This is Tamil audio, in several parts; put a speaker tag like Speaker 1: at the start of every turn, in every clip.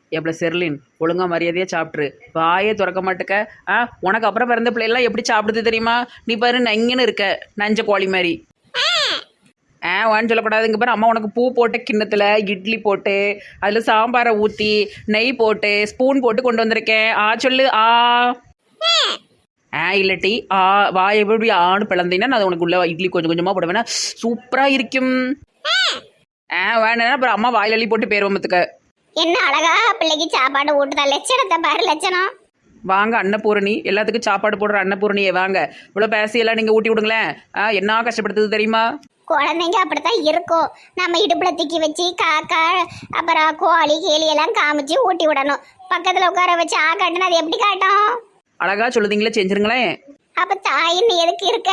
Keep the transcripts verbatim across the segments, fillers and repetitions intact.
Speaker 1: எப்பல செர்லின் ஒழுங்கா மரியாதையாக சாப்பிட்ரு. வாயே திறக்க மாட்டுக்க. ஆ உனக்கு அப்புறம் பிறந்த பிள்ளைலாம் எப்படி சாப்பிடுது தெரியுமா? நீ பாரு நங்கன்னு இருக்க, நஞ்ச கோழி மாதிரி. ஆ வான்னு சொல்லக்கூடாது. இங்கே பாரு, அம்மா உனக்கு பூ போட்டு கிண்ணத்தில் இட்லி போட்டு அதில் சாம்பாரை ஊற்றி நெய் போட்டு ஸ்பூன் போட்டு கொண்டு வந்திருக்கேன். ஆ சொல்லு. ஆ ஆ இல்லட்டி ஆ வாய் எப்படி ஆணு பிளந்தீங்கன்னா நான் உனக்கு உள்ள இட்லி கொஞ்சம் கொஞ்சமாக போடுவேன்னா சூப்பராக இருக்கும். ஆ வேணா அப்புறம் அம்மா வாயில் அள்ளி போட்டு பேருவம்பத்துக்க.
Speaker 2: என்ன அழகா பிள்ளைக்கு சாப்பாடு ஊட்டுதா, லட்சணத்தை பாரு லட்சணம்.
Speaker 1: வாங்க அன்னபூரணி, எல்லாத்துக்கும் சாப்பாடு போடுற அன்னபூரணியே வாங்க. இவ்வளோ பேசியெல்லாம் நீங்கள் ஊட்டி விடுங்களேன். ஆ என்ன கஷ்டப்படுத்துது தெரியுமா?
Speaker 2: குழந்தைங்க அப்படித்தான் இருக்கும். நம்ம இடுப்புல தூக்கி வச்சு காக்கா அப்புறம் கோழி கேலி எல்லாம் காமிச்சு ஊட்டி விடணும். பக்கத்துல உட்கார வச்சு ஆ காட்டுனா அது எப்படி காட்டும்?
Speaker 1: அழகா சொல்லுதீங்களே, செஞ்சிருங்களேன்.
Speaker 2: அப்ப தாயின்னு எதுக்கு இருக்க?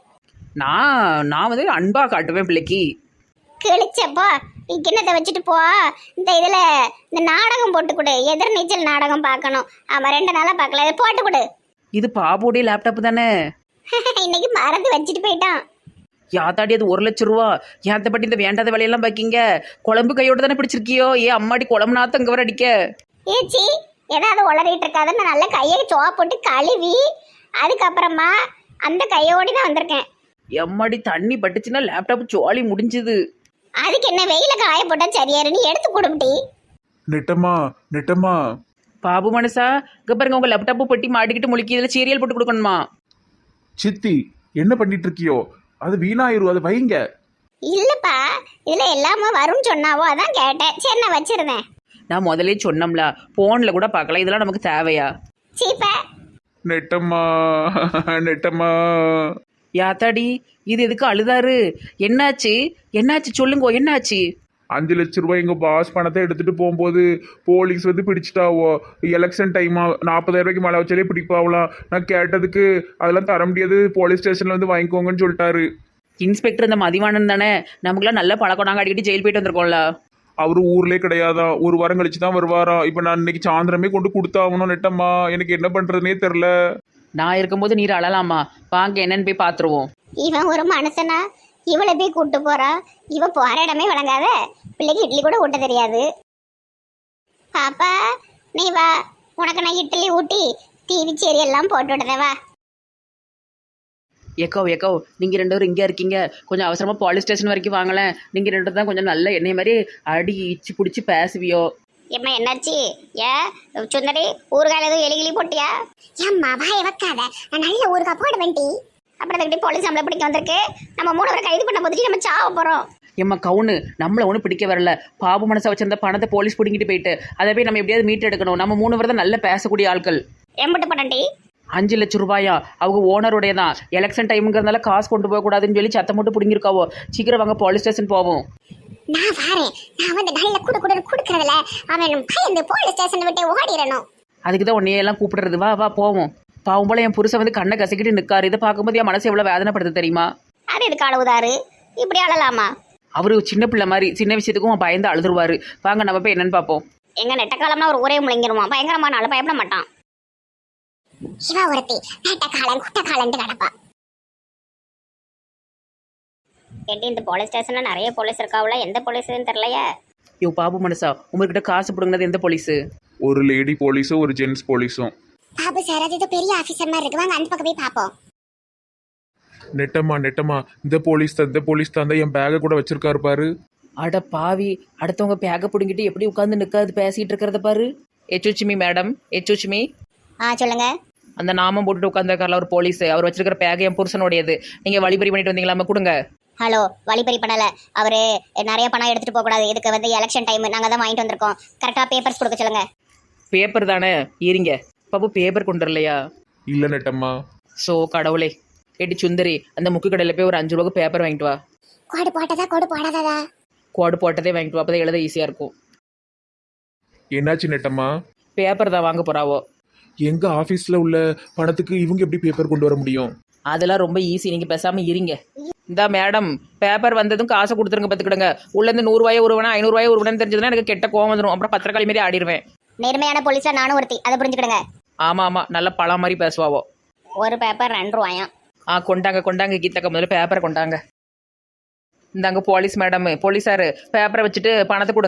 Speaker 1: நான் நான் வந்து அன்பா காட்டுவேன் பிள்ளைக்கு.
Speaker 2: கிழிச்சப்போ நீ கிண்ணத்தை வச்சுட்டு போ. இந்த இதுல இந்த நாடகம் போட்டு கொடு, எதிர்நீச்சல் நாடகம் பார்க்கணும். ஆமா ரெண்டு நாளா பார்க்கல, இதை போட்டு கொடு.
Speaker 1: இது பாபுடைய லேப்டாப் தானே?
Speaker 2: இன்னைக்கு மறந்து வச்சுட்டு போயிட்டான்.
Speaker 1: யாத்தாடி அது ஒரு லட்சம் ரூபா. ஏத்த பட்டி இந்த வேண்டாத வேலையெல்லாம் பாக்கிங்க. குழம்பு கையோட தானே பிடிச்சிருக்கியோ? ஏ அம்மாடி குழம்பு நாத்தம் இங்க வர அடிக்க.
Speaker 2: ஏச்சி ஏதாவது உளறிட்டு இருக்காதுன்னு நல்ல கையை சோவா போட்டு கழுவி அதுக்கப்புறமா அந்த கையோடி தான் வந்திருக்கேன்.
Speaker 1: எம்மாடி தண்ணி பட்டுச்சுன்னா லேப்டாப் சோழி முடிஞ்சுது.
Speaker 2: அதுக்கு என்ன வெயில காய போட்டா சரியாரு, நீ எடுத்து கொடுப்பி.
Speaker 3: நெட்டம்மா நெட்டம்மா.
Speaker 1: பாபு மனசா இங்க பாருங்க, உங்க லேப்டாப்பு பெட்டி மாட்டிக்கிட்டு முழுக்கி இதுல சீரியல் போட்டு கொடுக்கணுமா?
Speaker 3: சித்தி என்ன பண்ணிட்டு இருக்கியோ? அது வீணாயிரும், அது வைங்க.
Speaker 2: இல்லப்பா இதுல எல்லாமே வரும்னு சொன்னாவோ அதான் கேட்டேன். சரி நான் வச்சிருந்தேன்.
Speaker 1: நான் முதலே சொன்னோம்ல, போன்ல கூட பார்க்கலாம். இதெல்லாம் நமக்கு தேவையா?
Speaker 2: சீப்ப
Speaker 3: நெட்டம்மா நெட்டம்மா.
Speaker 1: யாத்தாடி இது எதுக்கு அழுதாரு? என்னாச்சு என்னாச்சு சொல்லுங்க, என்னாச்சு?
Speaker 3: அஞ்சு லட்ச ரூபாய் எங்க பாஸ் பணத்தை எடுத்துட்டு போகும்போது போலீஸ் வந்து பிடிச்சிட்டாவோ. எலெக்ஷன் டைமா நாற்பதாயிரம் ரூபாய்க்கு மேலே வச்சாலே பிடிப்பாவலாம். நான் கேட்டதுக்கு அதெல்லாம் தர முடியாது, போலீஸ் ஸ்டேஷன்ல வந்து வாங்கிக்கோங்கன்னு சொல்லிட்டாரு.
Speaker 1: இன்ஸ்பெக்டர் இந்த மதிவானன் தானே? நமக்குலாம் நல்ல பழக்கம், நாங்கள் அடிக்கடி ஜெயில் போயிட்டு வந்திருக்கோம்ல.
Speaker 3: அவரு ஊர்லயே கிடையாதான், ஒரு வாரம் கழிச்சு தான் வருவாரா. இப்ப நான் இன்னைக்கு சாயந்தரமே கொண்டு கொடுத்தாகணும். நெட்டம்மா எனக்கு என்ன பண்றதுனே தெரியல.
Speaker 1: நான் இருக்கும்போது நீர் அழலாமா? வாங்க என்னன்னு போய் பார்த்துருவோம்.
Speaker 2: இவன் ஒரு மனுஷனா? இவளை போய் கூட்டு போறா. இவ போற இடமே வழங்காத. பிள்ளைக்கு இட்லி கூட ஊட்ட தெரியாது. பாப்பா நீ வா, உனக்கு நான் இட்லி ஊட்டி டிவி சீரியல் எல்லாம் போட்டு விடுதேன் வா.
Speaker 1: ஏக்கோ ஏக்கோ நீங்கள் ரெண்டு பேரும் இங்கே இருக்கீங்க, கொஞ்சம் அவசரமாக போலீஸ் ஸ்டேஷன் வரைக்கும் வாங்கலேன். நீங்கள் ரெண்டு தான் கொஞ்சம் நல்ல எண்ணெய் மாதிரி அடி இச்சு பிடிச்சி பேசுவியோ.
Speaker 2: எம்மா என்னாச்சு? ஏ சுந்தரி ஊறுகாயில் எதுவும் எலி கிளி போட்டியா? ஏம்மா வாய வைக்காத, நான் நல்ல ஊறுகாய் போட வேண்டி. அப்புறம் அதுக்கிட்டே போலீஸ் நம்மளை பிடிக்க வந்திருக்கு. நம்ம மூணு பேரை கைது பண்ண போதுட்டு நம்ம சாவ போகிறோம்.
Speaker 1: எம்மா கவுனு நம்மளை ஒன்றும் பிடிக்க வரல. பாபு மனசை வச்சிருந்த பணத்தை போலீஸ் பிடிங்கிட்டு போயிட்டு அதை போய் நம்ம எப்படியாவது மீட்டு எடுக்கணும். நம்ம மூணு பேர் தான் நல்ல பேசக்கூடிய ஆட்கள்.
Speaker 2: எம்பிட்டு பண்ணண்டி?
Speaker 1: அஞ்சு லட்சம் ரூபாயா? அவங்க ஓனருடைய தான். எலெக்ஷன் டைமுங்கிறதுனால காசு கொண்டு போகக்கூடாதுன்னு சொல்லி சத்தம் போட்டு பிடிங்கிருக்காவோ. சீக்கிரம் வாங்க போலீஸ் ஸ்டேஷன் போவோம்.
Speaker 2: நான் வாரேன். நான் வந்து நல்ல குடு குடு குடுக்கறதுல அவன் பயந்து போலீஸ் ஸ்டேஷன் விட்டு ஓடிடணும்.
Speaker 1: அதுக்கு தான் உன்னையெல்லாம் கூப்பிடுறது. வா வா போவோம். பாவம் போல என் புருஷன் வந்து கண்ணை கசக்கிட்டு நிற்காரு. இதை பார்க்கும்போது என் மனசு எவ்வளோ வேதனைப்படுது தெரியுமா?
Speaker 2: அது எதுக்கு அழுவுதாரு? இப்படி அழலாமா?
Speaker 1: அவரு சின்ன பிள்ளை மாதிரி சின்ன விஷயத்துக்கும் பயந்து அழுதுருவாரு. வாங்க நம்ம போய் என்னன்னு பார்ப்போம்.
Speaker 2: எங்க நெட்ட காலம்னா ஒரு ஊரே முழங்கிருவான். பயங்கரமான ஆளு, பயப்பட மாட்டான். சிவா ஒருத்தி நெட்ட காலம் குட்ட காலன்ட்டு கிடப்பா. கேட்டி இந்த போலீஸ் ஸ்டேஷன்ல நிறைய போலீஸ் இருக்காவுல, எந்த போலீஸ்ன்னு தெரியலையே.
Speaker 1: யோ பாபு மனசா, உங்ககிட்ட காசு பிடுங்கினது எந்த போலீஸு?
Speaker 3: ஒரு லேடி போலீஸும் ஒரு ஜென்ஸ் போலீஸும்.
Speaker 2: பாபு சார் அது பெரிய ஆபீசர் மாதிரி இருக்கு, வாங்க அந்த பக்கம் போய் பாப்போம்.
Speaker 3: நெட்டம்மா நெட்டம்மா இந்த போலீஸ் தான், இந்த போலீஸ் தான் என் பேக்கை கூட வச்சிருக்காரு பாரு.
Speaker 1: அட பாவி, அடுத்தவங்க பேக்கை பிடுங்கிட்டு எப்படி உட்காந்து நிற்காது பேசிட்டு இருக்கிறத பாரு. எச்சுச்சுமி மேடம், எச்சுச்சுமி.
Speaker 2: ஆ சொல்லுங்க.
Speaker 1: அந்த நாமம் போட்டுட்டு உட்காந்துருக்காருல ஒரு போலீஸ், அவர் வச்சிருக்கிற பேக் என் புருஷனுடையது. நீங்க வழிபறி பண்ணிட்டு வந்தீங்களாம? கொடுங்க.
Speaker 2: ஹலோ, வழிபறி பண்ணல. அவரு நிறைய பணம் எடுத்துட்டு போக கூடாது, இதுக்கு வந்து எலெக்ஷன் டைம், நாங்க தான் வாங்கிட்டு வந்திருக்கோம். கரெக்டா பேப்பர்ஸ் கொடுக்க சொல்லுங்க.
Speaker 1: பேப்பர் தானே இருங்க. பாபு பேப்பர் கொண்டு வரலையா?
Speaker 3: இல்ல நெட்டம்மா.
Speaker 1: ஸோ கடவுளே. கேட்டி சுந்தரி, அந்த முக்கு கடையில் போய் ஒரு அஞ்சு ரூபாய்க்கு பேப்பர் வாங்கிட்டு வா.
Speaker 2: கோடு போட்டதா கோடு போடாததா?
Speaker 1: கோடு போட்டதே வாங்கிட்டு வா, அப்பதான் எழுத ஈஸியா இருக்கும்.
Speaker 3: என்னாச்சு நெட்டம்மா?
Speaker 1: பேப்பர் தான் வாங்க போறாவோ.
Speaker 3: எங்க ஆபீஸ்ல உள்ள பணத்துக்கு இவங்க எப்படி பேப்பர் கொண்டு வர முடியும்?
Speaker 1: அதெல்லாம் ரொம்ப ஈஸி, நீங்க பேசாம இருங்க. இந்த மேடம் பேப்பர் வந்ததும் காசை கொடுத்துருங்க, பார்த்துக்கிடுங்க. உள்ளேருந்து நூறுரூவாயை உருவனா ஐநூறுரூவாயை உருவனு தெரிஞ்சதுன்னா எனக்கு கெட்ட கோவம் வந்துடும். அப்புறம் பத்திரக்காளி மாரி ஆடிடுவேன்.
Speaker 2: நேர்மையான போலீஸா நானும் ஒருத்தி, அதை புரிஞ்சுக்கிடுங்க.
Speaker 1: ஆமா ஆமா, நல்ல பழம் மாதிரி பேசுவாவோ.
Speaker 2: ஒரு பேப்பர் ரெண்டு ரூபாயாம்.
Speaker 1: ஆ கொண்டாங்க கொண்டாங்க கீதக்க, முதல்ல பேப்பரை கொண்டாங்க. இந்தாங்க போலீஸ் மேடம், போலீஸாரு பேப்பரை வச்சுட்டு பணத்தை கொடுங்க.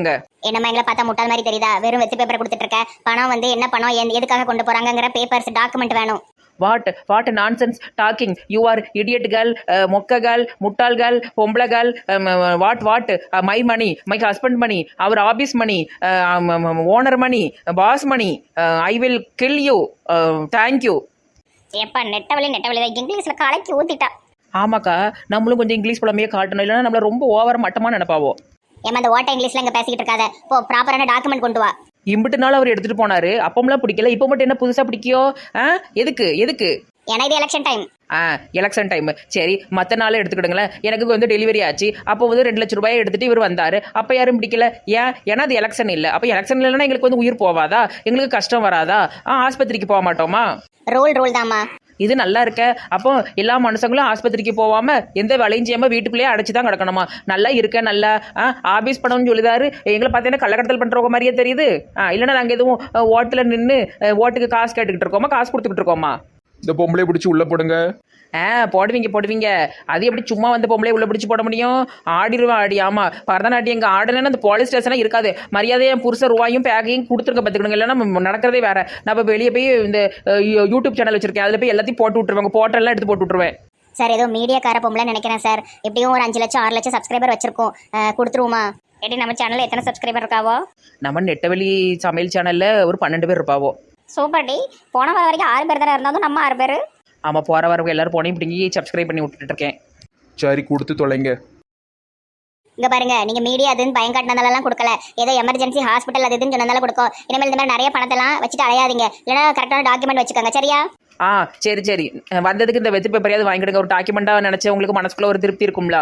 Speaker 2: என்னம்மா எங்களை பார்த்தா முட்டாள் மாதிரி தெரியுதா? வெறும் வெத்து பேப்பரை கொடுத்துட்டு இருக்க. பணம் வந்து என்ன பணம், எந்த- எதுக்காக கொண்டு போறாங்கங்கிற பேப்பர்ஸ் டாக்குமெண்ட் வேணும்.
Speaker 1: What what nonsense talking you are இடியட்கள், மொக்ககள், முட்டாள்கள், பொம்பளைகள். What what my money, my husband money, அவர் office money, owner money, boss money. I will kill you. Thank you.
Speaker 2: எப்பா நெட்டவழி நெட்டவழி இங்கிலீஷ்ல கலக்கி ஊத்திட்டா.
Speaker 1: ஆமாக்கா, நம்மளும் கொஞ்சம் இங்கிலீஷ் புலமையே காட்டணும், இல்லைன்னா நம்மள ரொம்ப ஓவர மட்டமாக நினைப்பாவோ.
Speaker 2: ஏமா அந்த ஓட்ட இங்கிலீஷ்ல இங்க பேசிக்கிட்டு இருக்காத. போ ப்ராப்பரான டாக்குமெண்ட் கொண்டு வா.
Speaker 1: இம்பிட்டு நாள் அவர் எடுத்துட்டு போனாரு, அப்பமெல்லாம் பிடிக்கல, இப்போ மட்டும் என்ன புதுசா பிடிக்கியோ? ஆ எதுக்கு எதுக்கு?
Speaker 2: ஏன்னா இது எலெக்ஷன் டைம்.
Speaker 1: ஆ எலெக்ஷன் டைம் சரி, மற்ற நாளே எடுத்துக்கிடுங்களேன். எனக்கு வந்து டெலிவரி ஆச்சு, அப்போ வந்து ரெண்டு லட்ச ரூபாயை எடுத்துட்டு இவர் வந்தாரு, அப்போ யாரும் பிடிக்கல. ஏன்? ஏன்னா அது எலெக்ஷன் இல்லை. அப்போ எலெக்ஷன் இல்லைன்னா எங்களுக்கு வந்து உயிர் போவாதா? எங்களுக்கு கஷ்டம் வராதா? ஆ ஆஸ்பத்திரிக்கு போக மாட்டோமா?
Speaker 2: ரூல் ரூல் தாம்மா.
Speaker 1: இது நல்லா இருக்க. அப்போ எல்லா மனுஷங்களும் ஆஸ்பத்திரிக்கு போகாம எந்த வேலையும் செய்யாம வீட்டுக்குள்ளேயே அடைச்சு தான் கிடக்கணுமா? நல்லா இருக்க, நல்லா ஆபீஸ் பணம்னு சொல்லிதாரு. எங்களை பார்த்தீங்கன்னா கள்ளக்கடத்தல் பண்றவங்க மாதிரியே தெரியுது. ஆ இல்லைன்னா நாங்கள் எதுவும் ஓட்டில் நின்று ஓட்டுக்கு காசு கேட்டுக்கிட்டு இருக்கோமா, காசு கொடுத்துக்கிட்டு இருக்கோமா?
Speaker 3: இந்த பொம்பளை பிடிச்சி உள்ள போடுங்க.
Speaker 1: ஆ போடுவீங்க போடுவீங்க. அது எப்படி சும்மா வந்து பொம்பளை உள்ள பிடிச்சி போட முடியும்? ஆடிடுவேன் ஆடி. ஆமா, பரதநாட்டியம் எங்க ஆடலன்னா அந்த போலீஸ் ஸ்டேஷனா இருக்காது. மரியாதையை என் புருஷ ரூபாயும் பேக்கையும் கொடுத்துருக்க பார்த்துக்கணுங்க. இல்லைன்னா நம்ம நடக்கிறதே வேற. நான் இப்போ வெளியே போய் இந்த யூடியூப் சேனல் வச்சிருக்கேன், அதில் போய் எல்லாத்தையும் போட்டு விட்டுருவாங்க. போட்டெல்லாம் எடுத்து போட்டு விட்டுருவேன்.
Speaker 2: சார் ஏதோ மீடியாக்கார பொம்பளை நினைக்கிறேன் சார். எப்படியும் ஒரு அஞ்சு லட்சம் ஆறு லட்சம் சப்ஸ்கிரைபர் வச்சிருக்கோம். கொடுத்துருவோமா? எப்படி நம்ம சேனல்ல எத்தனை சப்ஸ்கிரைபர் இருக்காவோ?
Speaker 1: நம்ம நெட்டவெளி சமையல் சேனல்ல ஒரு பன்னெண்டு பேர் இருப்பாவோ.
Speaker 2: Super D. போன வாரம் வரைக்கும் ஆறு பேர் தானே இருந்தாலும் நம்ம ஆறு பேர்.
Speaker 1: ஆமாம், போகிற வரவங்க எல்லாரும் போனையும் பிடிங்கி சப்ஸ்கிரைப் பண்ணி விட்டுட்டு இருக்கேன்.
Speaker 3: சரி, கொடுத்து தொலைங்க.
Speaker 2: இங்க பாருங்க, நீங்க மீடியா அதுன்னு பயம் காட்டினதாலலாம் கொடுக்கல. ஏதோ எமர்ஜென்சி ஹாஸ்பிட்டல் அது இதுன்னு சொன்னதால கொடுக்கும். இனிமேல் இந்த மாதிரி நிறைய பணத்தெல்லாம் வச்சுட்டு அலையாதீங்க. இல்லைன்னா கரெக்டான டாக்குமெண்ட் வச்சுக்கோங்க, சரியா?
Speaker 1: ஆ சரி சரி. வந்ததுக்கு இந்த வெத்து பேப்பரையாவது வாங்கிடுங்க. ஒரு டாக்குமெண்ட்டாக நினச்சி உங்களுக்கு மனசுக்குள்ள ஒரு திருப்தி இருக்கும்ல.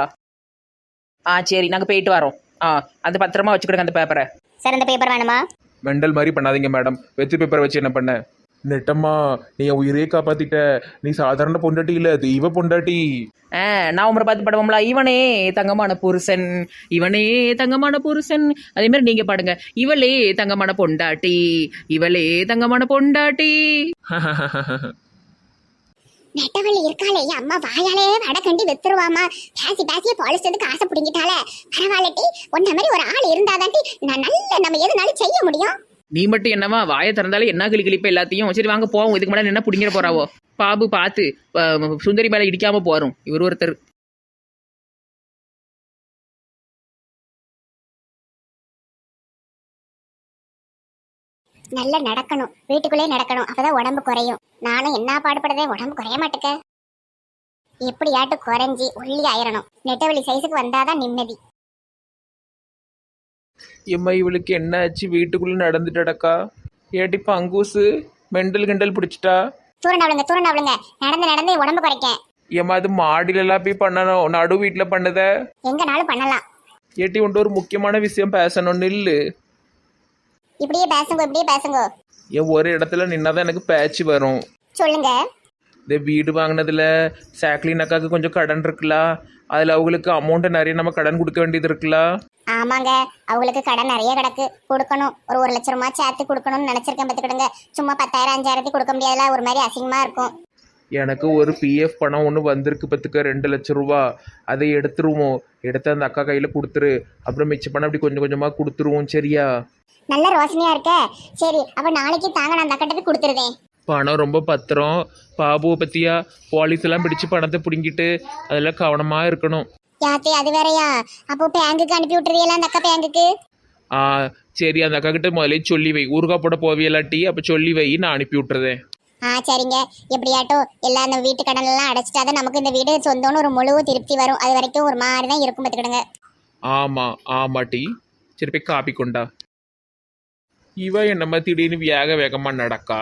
Speaker 1: ஆ சரி, நாங்கள் போயிட்டு வரோம். ஆ அந்த பத்திரமா வச்சுக்கிடுங்க அந்த பேப்பரை.
Speaker 2: சார் இந்த பேப்பர் வேணுமா?
Speaker 3: மெண்டல் மாதிரி பண்ணாதீங்க மேடம். வெத்து பேப்பரை வச்சு என்ன பண்ண? நெட்டம்மா, நீ என் உயிரே காப்பாத்திட்ட. நீ சாதாரண பொண்டாட்டி இல்ல, தெய்வ பொண்டாட்டி.
Speaker 1: ஆ நான் உமரை பார்த்து பாடுவோம்ல, இவனே தங்கமான புருஷன், இவனே தங்கமான புருஷன். அதே மாதிரி நீங்க பாடுங்க, இவளே தங்கமான பொண்டாட்டி, இவளே தங்கமான பொண்டாட்டி.
Speaker 2: நெட்டவள்ளி இருக்காளே, அம்மா வாயாலே வடை கண்டி வித்துருவாமா. பேசி பேசியே பாலிஸ்டதுக்கு ஆசை பிடிங்கிட்டாலே. பரவாயில்லட்டி, ஒன்ன மாதிரி ஒரு ஆள் இருந்தாதாண்டி நான் நல்ல நம்ம எதுனாலும் செய்ய முடியும்.
Speaker 1: நீ மட்டும் என்னவா வாயை திறந்தாலே என்ன கிளி கிளிப்ப எல்லாத்தையும். சரி வாங்க போவோம். இதுக்கு மேலே என்ன பிடிங்கிற போறாவோ? பாபு பார்த்து சுந்தரி மேலே இடிக்காம போறோம். இவர் ஒருத்தர்.
Speaker 2: நல்லா நடக்கணும், வீட்டுக்குள்ளே நடக்கணும், அப்பதான் உடம்பு குறையும். நானும் என்ன பாடுபடுறதே, உடம்பு குறைய மாட்டேக்க. எப்படியாட்டு குறைஞ்சி ஒல்லி ஆயிரணும். நெட்டவெளி சைஸுக்கு வந்தாதான் நிம்மதி.
Speaker 1: எம்மா இவளுக்கு என்ன ஆச்சு? வீட்டுக்குள்ள நடந்துட்டடக்கா. ஏட்டி பங்கூசு மெண்டல் கிண்டல் பிடிச்சிட்டா.
Speaker 2: தூரண்டாவளுங்க தூரண்டாவளுங்க, நடந்து நடந்து உடம்பு குறைக்க.
Speaker 1: ஏம்மா அது மாடியிலலாம் போய் பண்ணணும், நடு வீட்டில் பண்ணுத.
Speaker 2: எங்கனாலும் பண்ணலாம்.
Speaker 1: ஏட்டி உண்டு ஒரு முக்கியமான விஷயம் பேசணும், நில்லு.
Speaker 2: இப்படியே பேசுங்க, இப்படியே பேசுங்க.
Speaker 1: என் ஒரு இடத்துல நின்னாதான் எனக்கு பேச்சு வரும்.
Speaker 2: சொல்லுங்க.
Speaker 1: இந்த வீடு வாங்கினதுல சாக்லின் அக்காவுக்கு கொஞ்சம் கடன் இருக்குல்ல, அதில் அவங்களுக்கு அமௌண்ட்டு நிறைய நம்ம கடன் கொடுக்க வேண்டியது இருக்குல்ல.
Speaker 2: ஆமாங்க, அவங்களுக்கு கடன் நிறைய கிடக்கு, கொடுக்கணும். ஒரு ஒரு லட்ச ரூபாய் சேர்த்து கொடுக்கணும்னு நினைச்சிருக்கேன். பார்த்துக்கிடுங்க. சும்மா பத்தாயிரம் அஞ்சாயிரத்தி கொடுக்க முடியாதுல, ஒரு மாதிரி அசிங்கமா இருக்கும்.
Speaker 1: எனக்கு ஒரு பிஎஃப் பணம் ஒன்று வந்திருக்கு பத்துக்க, ரெண்டு லட்சம் ரூபா. அதை எடுத்துருவோம். எடுத்து அந்த அக்கா கையில் கொடுத்துரு. அப்புறம் மிச்ச பணம் அப்படி கொஞ்சம் கொஞ்சமாக கொடுத்துருவோம், சரியா?
Speaker 2: நல்ல ரோசனையா இருக்க. சரி, அப்ப நாளைக்கு தாங்க, நான் அந்த அக்கா போய் கொடுத்துருவேன்.
Speaker 1: பணம் ரொம்ப பத்திரம். பாபுவை பற்றியா போலீஸ் எல்லாம் பிடிச்சி பணத்தை பிடுங்கிட்டு அதெல்லாம் கவனமாக இருக்கணும்.
Speaker 2: யாத்தே அது வேறையா? அப்போ பேங்குக்கு அனுப்பி விட்டுறீங்களா அந்த அக்கா பேங்குக்கு?
Speaker 1: ஆ சரி, அந்த அக்கா கிட்ட முதலே சொல்லி வை. ஊருக்கா போட போவியலாட்டி அப்போ சொல்லி வை, நான் அனுப்பி விட்டுறேன்.
Speaker 2: ஆ சரிங்க. எப்படியாட்டோ எல்லா அந்த வீட்டு கடன் எல்லாம் அடைச்சிட்டாதான் நமக்கு இந்த வீடு சொந்தம்னு ஒரு முழு திருப்தி வரும். அது வரைக்கும் ஒரு மாதிரி தான் இருக்கும், பார்த்துக்கிடுங்க.
Speaker 1: ஆமாம் ஆமாட்டி. சரி போய் காப்பி கொண்டா. இவ என்னம்மா திடீர்னு வேக வேகமாக நடக்கா.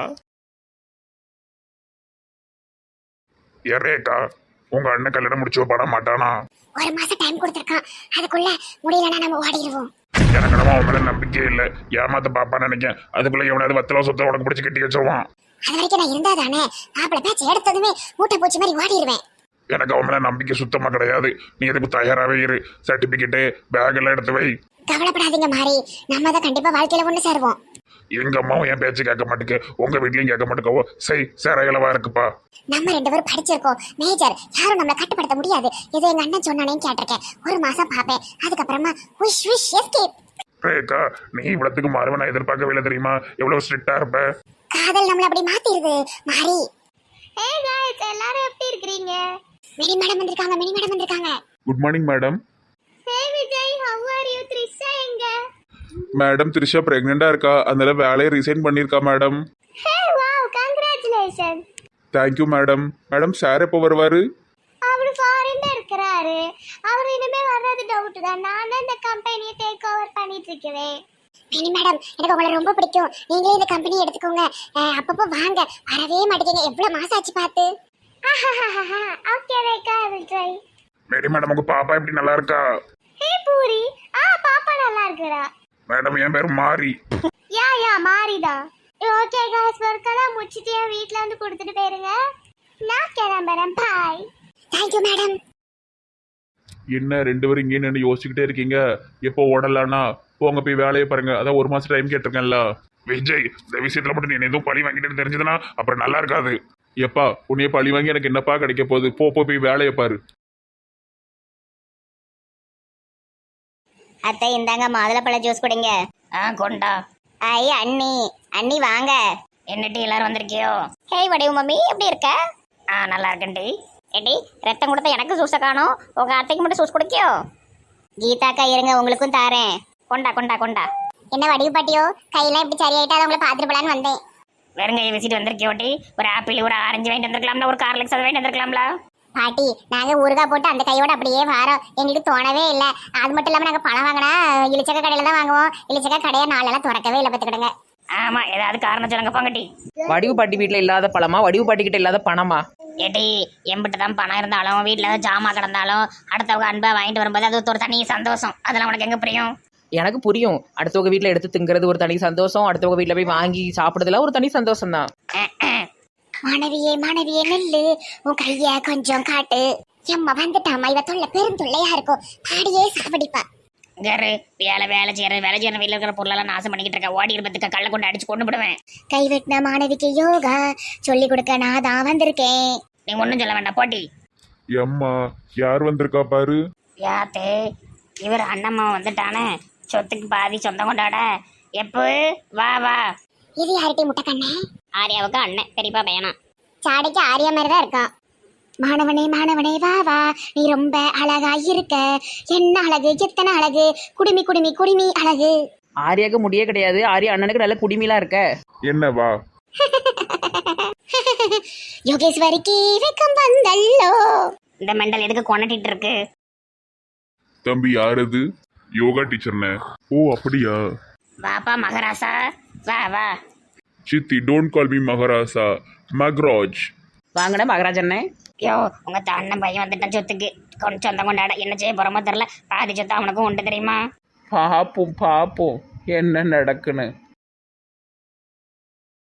Speaker 3: ஏரேக்கா, உங்க அண்ணன் கல்யாணம் முடிச்சு பண்ண மாட்டானா?
Speaker 2: ஒரு மாசம் டைம் கொடுத்துருக்கான். அதுக்குள்ள முடியலன்னா நம்ம ஓடிடுவோம்.
Speaker 3: எனக்கு நம்ம அவன் மேல நம்பிக்கை இல்லை. ஏமாத்த பாப்பான்னு நினைக்கேன். அதுக்குள்ள எவனாவது வத்தல சொத்தை உனக்கு பிடிச்சி கட்டி வச்சிருவான்.
Speaker 2: அது வரைக்கும் நான் இருந்தா தானே மாப்பிள்ள பேச்சு எடுத்ததுமே மூட்டை பூச்சி மாதிரி ஓடிடுவேன்.
Speaker 3: எனக்கு அவன் மேல நம்பிக்கை சுத்தமா கிடையாது. நீ எதுக்கு தயாராகவே இரு. சர்டிபிகேட்டு பேக் எல்லாம் எடுத்து வை.
Speaker 2: கவலைப்படாதீங்க மாறி, நம்ம தான் கண்டிப்பா வாழ்க்கையில ஒண்ணு சேருவோம்.
Speaker 3: எங்க அம்மாவும் என் பேச்சு கேட்க மாட்டேங்க, உங்க வீட்லயும் கேட்க மாட்டேங்கவோ. சரி சேரகளவா இருக்குப்பா.
Speaker 2: நம்ம ரெண்டு பேரும் படிச்சிருக்கோம் மேஜர், யாரும் நம்மளை கட்டுப்படுத்த முடியாது. ஏதோ எங்க அண்ணன் சொன்னானேன்னு கேட்டிருக்கேன். ஒரு மாசம் பாப்பேன், அதுக்கப்புறமா விஷ் விஷ் எஸ்கேப்.
Speaker 3: ரேகா நீ இவ்வளத்துக்கு மாறுவ நான் எதிர்பார்க்கவே இல்லை தெரியுமா? எவ்வளவு ஸ்ட்ரிக்டா இருப்ப.
Speaker 2: காதல் நம்மள அப்படி மாத்திருது மாறி. ஹே गाइस எல்லாரும் எப்படி இருக்கீங்க? மினி மேடம் வந்திருக்காங்க மினி மேடம் வந்திருக்காங்க.
Speaker 3: Good morning madam.
Speaker 2: Hey Vijay how are you? Trisha எங்க?
Speaker 3: மேடம் த்ரிஷா பிரெக்னெண்டா இருக்கா, அதனால வேலையை ரிசைன் பண்ணிருக்கா madam.
Speaker 2: Hey wow congratulation.
Speaker 3: Thank you madam. Madam sir எப்போ வருவாரு?
Speaker 2: அவர் ஃபாரின்ல இருக்கறாரு. அவர் இனிமே வர்றது டவுட் தான். நான் தான் இந்த கம்பெனியை டேக் ஓவர் பண்ணிட்டு இருக்கேன். மினி மேடம் எனக்கு உங்களை ரொம்ப பிடிக்கும். நீங்களே இந்த கம்பெனி எடுத்துக்கோங்க. அப்பப்போ வாங்க. வரவே மாட்டேங்க. எவ்வளவு மாசம் ஆச்சு பார்த்து. Okay Rekha I will try.
Speaker 3: Mary madam உங்க பாப்பா எப்படி நல்லா இருக்கா?
Speaker 2: ஹே பூரி ஆ பாப்பா நல்லா இருக்கறா.
Speaker 3: மேடம் என் பேர் மாரி.
Speaker 2: யா யா மாரிதா. ஓகே गाइस வர்க்கெல்லாம் முடிச்சிட்டு வீட்ல வந்து கொடுத்துட்டு போயிருங்க. நான் கிளம்பறேன். பை. Thank you madam.
Speaker 3: என்ன ரெண்டு பேரும் இங்கே நின்று யோசிச்சுக்கிட்டே இருக்கீங்க? எப்போ ஓடலான்னா போங்க போய் வேலையை பாருங்க. அதான் ஒரு மாசம் டைம் கேட்டிருக்கேன்ல. விஜய் இந்த விஷயத்துல மட்டும் நீ எதுவும் பழி வாங்கிட்டு தெரிஞ்சதுன்னா அப்புறம் நல்லா இருக்காது. எப்பா உன்னைய பழி வாங்கி எனக்கு என்னப்பா கிடைக்க போகுது? போ போ போய் வேலையை பாரு.
Speaker 2: அத்தை இந்தாங்க மாதுளப்பழ ஜூஸ் குடிங்க.
Speaker 4: ஆ கொண்டா.
Speaker 2: ஐ அண்ணி அண்ணி வாங்க.
Speaker 4: என்னட்டி எல்லாரும் வந்திருக்கியோ?
Speaker 2: ஹே வடிவு மம்மி எப்படி இருக்க?
Speaker 4: ஆ நல்லா இருக்கேன்டி.
Speaker 2: ஏடி ரத்தம் கொடுத்த எனக்கு ஜூஸை காணும். உங்க அத்தைக்கு மட்டும் ஜூஸ் குடிக்கியோ? கீதாக்கா இருங்க உங்களுக்கும் தாரேன்.
Speaker 4: கொண்டா கொண்டா கொண்டா.
Speaker 2: என்ன வடிவு பாட்டியோ கையெல்லாம் இப்படி சரியாயிட்டா அதை உங்களை பார்த்துட்டு போலான்னு வந்தேன்.
Speaker 4: வெறுங்கையை விசிட்டு வந்திருக்கியோட்டி? ஒரு ஆப்பிள் ஒரு ஆரஞ்சு வாங்கிட்டு வந்திருக்கலாம்ல, ஒரு கார்லிக்ஸ் அதை வாங்கிட்டு வந்திருக்கலாம்ல.
Speaker 2: பாட்டி நாங்க ஊறுகாய் போட்டு அந்த கையோட அப்படியே வாரோம். எங்களுக்கு தோணவே இல்லை. அது மட்டும் இல்லாம நாங்க பணம் வாங்கினா இளிச்சக்க கடையில தான் வாங்குவோம். இளிச்சக்க கடையை நாளெல்லாம் திறக்கவே இல்லை பார்த்துக்கிடுங்க.
Speaker 4: ஆமா ஏதாவது காரணம் சொல்லுங்க போங்கட்டி.
Speaker 1: வடிவு பாட்டி வீட்டில் இல்லாத பழமா, வடிவு பாட்டி கிட்ட இல்லாத பணமா?
Speaker 4: ஏட்டி எம்பிட்டு தான் பணம் இருந்தாலும் வீட்டில் ஏதாவது ஜாமான் கிடந்தாலும் அடுத்தவங்க அன்பை வாங்கிட்டு வரும்போது அது ஒரு தனி சந்தோஷம். அதெல்லாம் உனக்கு எங்கே புரியும்?
Speaker 1: எனக்கு புரியும். அடுத்தவங்க வீட்டில் எடுத்து திங்கிறது ஒரு தனி சந்தோஷம், அடுத்தவங்க வீட்டில் போய் வாங்கி சாப்பிடுறதுல ஒரு தனி சந்தோஷம் தான்.
Speaker 2: மாணவியே மாணவியே நெல்லு உன் கைய கொஞ்சம் காட்டு. எம்மா வந்துட்டாமா இவ தொல்லை பெரும் தொல்லையா இருக்கும். பாடியே சாப்பிடிப்பா.
Speaker 4: கரு வேலை வேலை செய்யற வேலை செய்யற வீட்டில் இருக்கிற பொருளெல்லாம் நாசம் பண்ணிக்கிட்டு இருக்க. ஓடி இருப்பதுக்கு கல்லை கொண்டு அடிச்சு கொண்டு விடுவேன்.
Speaker 2: கைவெட்டின மாணவிக்கு யோகா சொல்லி கொடுக்க நான் தான் வந்திருக்கேன்.
Speaker 4: நீ ஒன்றும் சொல்ல வேண்டாம் போட்டி.
Speaker 3: எம்மா யார் வந்திருக்கா பாரு.
Speaker 4: யாத்தே இவர் அண்ணம்மா வந்துட்டானே சொத்துக்கு பாதி சொந்தம் கொண்டாட. எப்போ வா வா.
Speaker 2: இது யார்கிட்ட முட்டை கண்ணே?
Speaker 4: ஆரியாவுக்கு அண்ணன் பெரியப்பா பையனா.
Speaker 2: சாடைக்கு ஆரியா மாதிரி தான் இருக்கான். மாணவனே மாணவனே வா வா நீ ரொம்ப அழகா இருக்க. என்ன அழகு எத்தனை அழகு குடுமி குடுமி குடுமி அழகு.
Speaker 1: ஆரியாவுக்கு முடியே கிடையாது. ஆரியா அண்ணனுக்கு நல்ல குடிமையெல்லாம் இருக்க.
Speaker 3: என்ன வா
Speaker 2: யோகேஸ்வரிக்கு வெக்கம் வந்தல்லோ.
Speaker 4: இந்த மெண்டல் எதுக்கு கொண்டாட்டிட்டு இருக்கு?
Speaker 3: தம்பி யார் அது? யோகா டீச்சர்னே. ஓ அப்படியா?
Speaker 4: வாப்பா மகராசா வா வா.
Speaker 3: சித்தி டோன்ட் கால் மீ மகாராசா, மக்ராஜ்.
Speaker 1: வாங்கின மகராஜண்ணே.
Speaker 4: யோ உங்க அண்ணன் பையன் வந்துட்டான் சொத்துக்கு கொண்டு சொந்தம் கொண்டாட. என்ன செய்ய போறோமோ தெரியல. பாதி சொத்து அவனுக்கும் உண்டு தெரியுமா?
Speaker 1: பாப்போம் பாப்போம் என்ன நடக்குன்னு.